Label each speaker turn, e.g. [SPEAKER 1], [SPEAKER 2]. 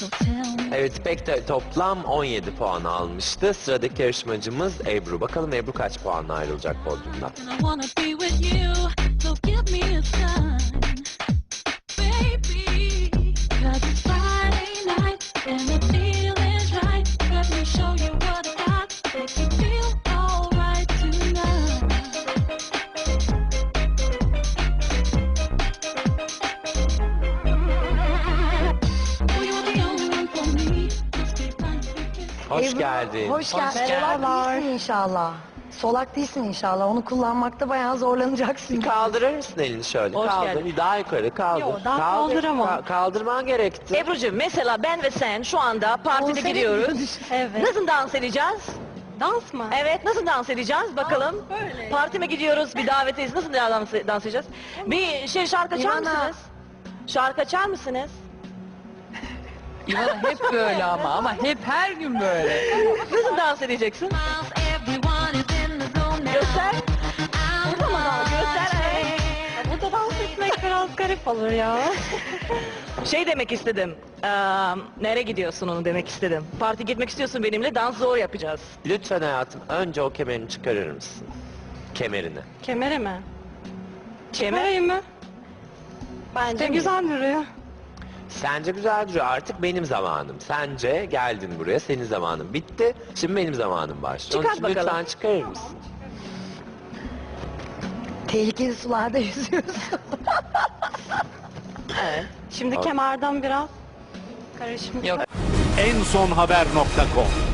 [SPEAKER 1] Evet, İpek de toplam 17 puan almıştı. Sıradaki yarışmacımız Ebru. Bakalım Ebru kaç puanla ayrılacak podyumdan? Hoş
[SPEAKER 2] Ebru,
[SPEAKER 1] geldin.
[SPEAKER 2] Hoş geldin. Solak değilsin inşallah. Solak değilsin inşallah. Onu kullanmakta bayağı zorlanacaksın.
[SPEAKER 1] Kaldırır mısın elini şöyle?
[SPEAKER 3] Hoş
[SPEAKER 1] Kaldır.
[SPEAKER 3] geldin.
[SPEAKER 1] Daha yukarı kaldır.
[SPEAKER 3] Yok, daha
[SPEAKER 1] Kaldır.
[SPEAKER 3] kaldıramam.
[SPEAKER 1] Kaldırman gerekti.
[SPEAKER 3] Ebru'cum mesela ben ve sen şu anda partide
[SPEAKER 2] Konsere
[SPEAKER 3] gidiyoruz.
[SPEAKER 2] gidiyoruz.
[SPEAKER 3] Evet. Nasıl dans edeceğiz?
[SPEAKER 4] Dans mı?
[SPEAKER 3] Evet, nasıl dans edeceğiz bakalım.
[SPEAKER 4] böyle.
[SPEAKER 3] Partime gidiyoruz, bir davetteyiz. Nasıl dans edeceğiz? Bir şarkı açar
[SPEAKER 2] İvana.
[SPEAKER 3] mısınız? Şarkı açar mısınız?
[SPEAKER 5] İvana hep böyle ama hep her gün böyle.
[SPEAKER 3] Nasıl dans edeceksin? Göster. Burada mı dans? Göster.
[SPEAKER 4] Burada dans etmek biraz garip olur ya.
[SPEAKER 3] Şey demek istedim. Nereye gidiyorsun onu demek istedim. Parti gitmek istiyorsun benimle, dans zor yapacağız.
[SPEAKER 1] Lütfen hayatım önce o kemerini çıkarır mısın? Kemerini.
[SPEAKER 4] Kemere mi?
[SPEAKER 3] Kemer.
[SPEAKER 4] Kemereyim mi? Bence güzel duruyor.
[SPEAKER 1] Sence güzel duruyor. Artık benim zamanım. Sence geldin buraya. Senin zamanın bitti. Şimdi benim zamanım başlıyor.
[SPEAKER 3] Çıkart
[SPEAKER 1] Onun için
[SPEAKER 3] bakalım.
[SPEAKER 1] lütfen çıkarır mısın?
[SPEAKER 2] Tehlikeli sularda yüzüyorsun.
[SPEAKER 3] Evet.
[SPEAKER 4] Şimdi kemerden biraz karışmış.
[SPEAKER 5] Yok.
[SPEAKER 6] ensonhaber.com